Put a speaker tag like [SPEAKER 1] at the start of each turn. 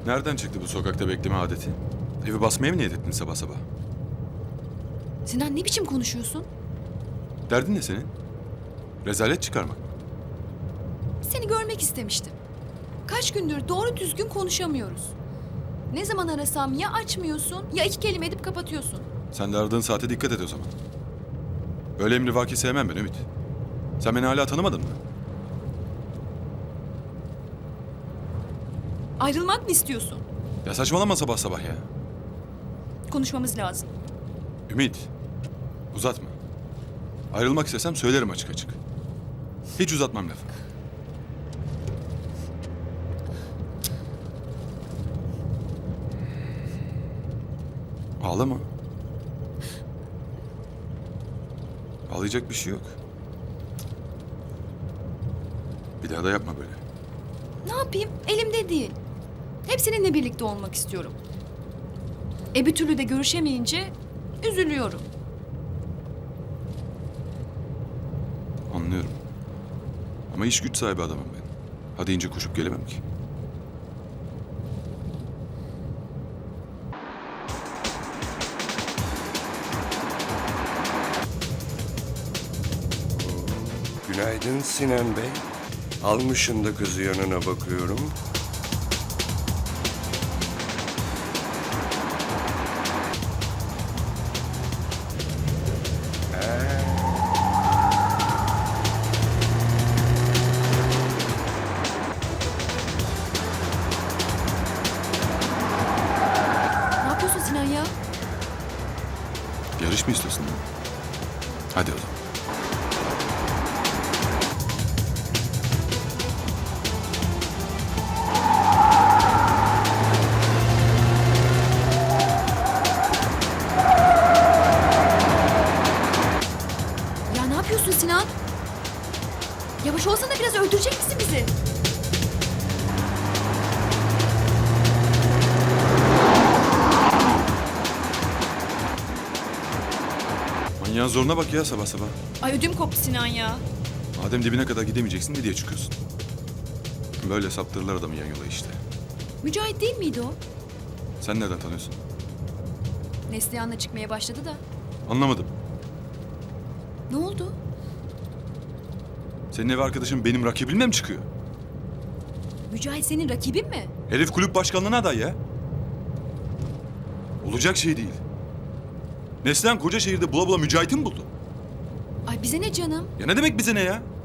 [SPEAKER 1] Nereden çıktı bu sokakta bekleme adeti? Evi basmaya mı niyet ettin sabah sabah?
[SPEAKER 2] Sinan ne biçim konuşuyorsun?
[SPEAKER 1] Derdin ne senin? Rezalet çıkarmak mı?
[SPEAKER 2] Seni görmek istemiştim. Kaç gündür doğru düzgün konuşamıyoruz. Ne zaman arasam ya açmıyorsun ya iki kelime edip kapatıyorsun.
[SPEAKER 1] Sen de aradığın saate dikkat et o zaman. Böyle emrivaki sevmem ben Ümit. Sen beni hala tanımadın mı?
[SPEAKER 2] Ayrılmak mı istiyorsun?
[SPEAKER 1] Ya saçmalama sabah sabah ya.
[SPEAKER 2] Konuşmamız lazım.
[SPEAKER 1] Ümit, uzatma. Ayrılmak istesem söylerim açık açık. Hiç uzatmam lafı. Ağlama. Ağlayacak bir şey yok. Bir daha da yapma böyle.
[SPEAKER 2] Ne yapayım? Elimde değil. Hep seninle birlikte olmak istiyorum. Bir türlü de görüşemeyince üzülüyorum.
[SPEAKER 1] Anlıyorum. Ama iş güç sahibi adamım ben. Hadi ince koşup gelemem ki.
[SPEAKER 3] Günaydın Sinan Bey. Almışın da kızı yanına bakıyorum.
[SPEAKER 2] Ne yapıyorsun Sinan ya?
[SPEAKER 1] Yarış mı istiyorsun? Hadi o zaman.
[SPEAKER 2] Ya ne yapıyorsun Sinan? Yavaş olsana biraz öldürecek misin bizi?
[SPEAKER 1] Manyağın zoruna bak ya sabah sabah.
[SPEAKER 2] Ay ödüm koptu Sinan ya.
[SPEAKER 1] Madem dibine kadar gidemeyeceksin ne diye çıkıyorsun? Böyle saptırırlar adamı yan yola işte.
[SPEAKER 2] Mücahit değil miydi o?
[SPEAKER 1] Sen nereden tanıyorsun?
[SPEAKER 2] Neslihan'la çıkmaya başladı da.
[SPEAKER 1] Anlamadım.
[SPEAKER 2] Ne oldu?
[SPEAKER 1] Senin ev arkadaşın benim rakibimle mi çıkıyor?
[SPEAKER 2] Mücahit senin rakibin mi?
[SPEAKER 1] Herif kulüp başkanlığına aday ya. Olacak şey değil. Neslihan koca şehirde bula bula Mücahit'i mi buldu?
[SPEAKER 2] Ay bize ne canım?
[SPEAKER 1] Ya ne demek bize ne ya?